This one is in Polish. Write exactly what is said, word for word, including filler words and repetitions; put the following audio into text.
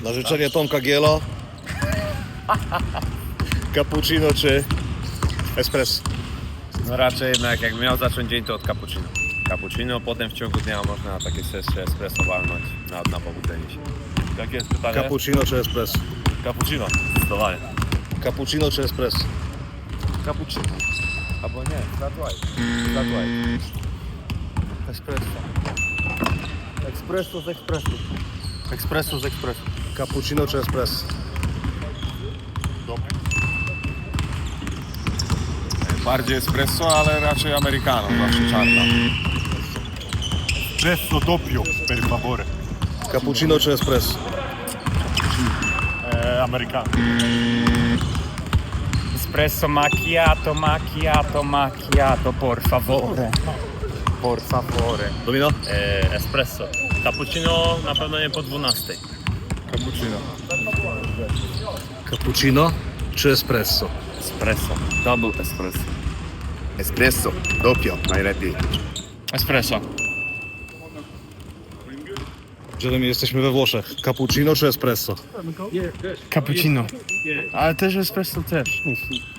Na życzenie Tomka Giela. Cappuccino czy espresso? No raczej jednak jak miał zacząć dzień, to od cappuccino. Cappuccino, potem w ciągu dnia można takie sesje espresso walnąć na, na pobudzenie się. Jakie jest pytanie? Cappuccino czy espresso? Cappuccino, zdecydowanie. Cappuccino czy espresso? Cappuccino. Albo nie, flat white. Flat white. Espresso. Espresso z ekspresu. Espresso z ekspresu. Cappuccino czy espresso? Bardziej espresso, ale raczej americano, zawsze czarna. Espresso doppio, per favore. Cappuccino czy espresso? Eh, americano. Espresso macchiato, macchiato, macchiato, por favore. Por favore. Domino? E, espresso. Cappuccino na pewno nie po dwunastej. Cappuccino. Cappuccino czy espresso? Espresso. Double espresso. Espresso, doppio, najlepiej. Espresso. Jeremy, jesteśmy we Włoszech. Cappuccino czy espresso? Cappuccino. Ale też espresso też.